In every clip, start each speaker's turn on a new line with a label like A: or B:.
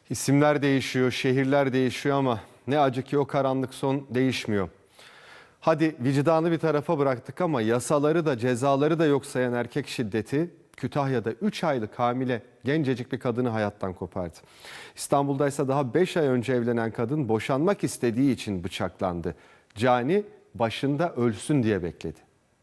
A: İsimler değişiyor, şehirler değişiyor ama ne acı ki o karanlık son değişmiyor. Hadi vicdanı bir tarafa bıraktık ama yasaları da cezaları da yok sayan erkek şiddeti Kütahya'da 3 aylık hamile gencecik bir kadını hayattan kopardı. İstanbul'da ise daha 5 ay önce evlenen kadın boşanmak istediği için bıçaklandı. Cani başında ölsün diye bekledi.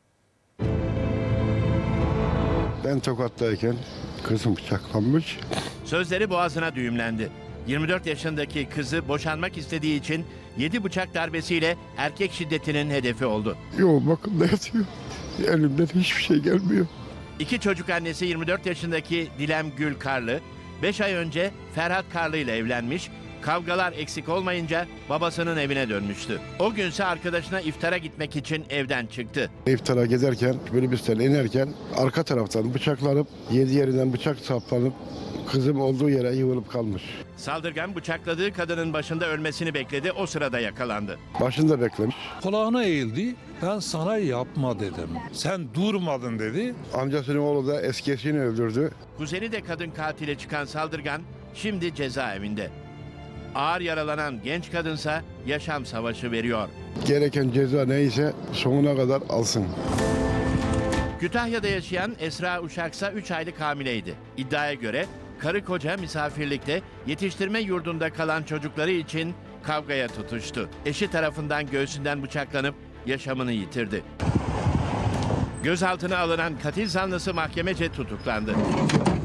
B: Ben Tokat'tayken kızım bıçaklanmış.
C: Sözleri boğazına düğümlendi. 24 yaşındaki kızı boşanmak istediği için 7 bıçak darbesiyle erkek şiddetinin hedefi oldu.
B: Yoğun bakımda yatıyor. Elimden hiçbir şey gelmiyor.
C: 2 çocuk annesi 24 yaşındaki Dilem Gül Karlı, 5 ay önce Ferhat Karlı ile evlenmiş, kavgalar eksik olmayınca babasının evine dönmüştü. O günse arkadaşına iftara gitmek için evden çıktı.
B: İftara gezerken, minibüsten inerken arka taraftan bıçaklanıp, 7 yerinden bıçak saplanıp kızım olduğu yere yığılıp kalmış.
C: Saldırgan bıçakladığı kadının başında ölmesini bekledi, o sırada yakalandı.
B: Başında beklemiş.
D: Kulağına eğildi. Ben sana yapma dedim. Sen durmadın dedi.
B: Amcasının oğlu da eski eşini öldürdü.
C: Kuzeni de kadın katile çıkan saldırgan şimdi cezaevinde. Ağır yaralanan genç kadınsa yaşam savaşı veriyor.
B: Gereken ceza neyse sonuna kadar alsın.
C: Kütahya'da yaşayan Esra Uşaksa 3 aylık hamileydi. İddiaya göre karı koca misafirlikte yetiştirme yurdunda kalan çocukları için kavgaya tutuştu. Eşi tarafından göğsünden bıçaklanıp yaşamını yitirdi. Gözaltına alınan katil zanlısı mahkemece tutuklandı.